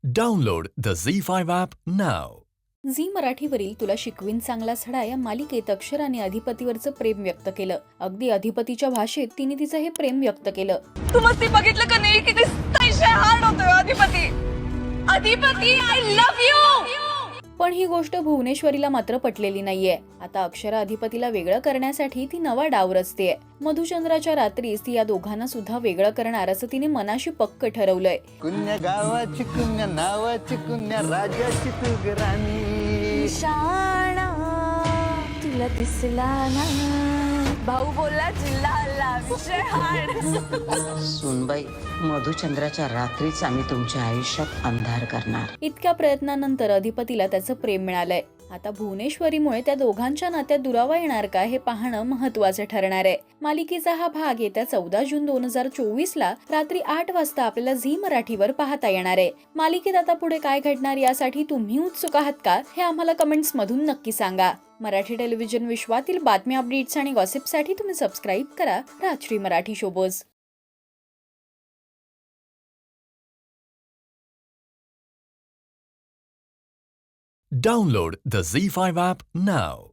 Download the Z5 app now. Zee मराठीवरील तुला शिकवीन चांगला छडा या मालिकेत अक्षर आणि अधिपतीवरचं प्रेम व्यक्त केलं. अगदी अधिपतीच्या भाषेत तिने तिचं हे प्रेम व्यक्त केलं. तू मस्ती बघितलं का नाही किती अतिशय हार्ड होतोय Adhipati. Adhipati I love you. पण ही गोष्ट भुवनेश्वरीला मात्र पटलेली नाहीये. आता अक्षरा अधिपतीला वेगळं करण्यासाठी ती नवा डाव रचतेय. मधुचंद्राच्या रात्रीस ती या दोघांना सुद्धा वेगळं करणार असं तिने मनाशी पक्क ठरवलंय. कुण्या गावाची कुण्या नावाची कुण्या राजाची तू राणी शाणा तुला दिसला ना भाऊ बोलला जिल्हा विषय हार्ड. सुनबाई, मधुचंद्राच्या रात्रीच आम्ही तुमच्या आयुष्यात अंधार करणार. इतक्या प्रयत्नानंतर अधिपतीला त्याचं प्रेम मिळालंय. आता भुवनेश्वरीमुळे त्या दोघांच्या नात्यात दुरावा येणार का हे पाहणं महत्त्वाचं ठरणार आहे. मालिकेचा हा भाग येत्या 14 जून 2024 ला रात्री 8 वाजता आपल्याला झी मराठीवर पाहता येणार आहे. मालिकेत आता पुढे काय घडणार यासाठी तुम्ही उत्सुक आहात का हे आम्हाला कमेंट्स मधून नक्की सांगा. मराठी टेलिव्हिजन विश्वातील बातम्या, अपडेट्स आणि गॉसिपसाठी तुम्ही सबस्क्राईब करा Rajshri Marathi शोबोज. Download the Z5 app now.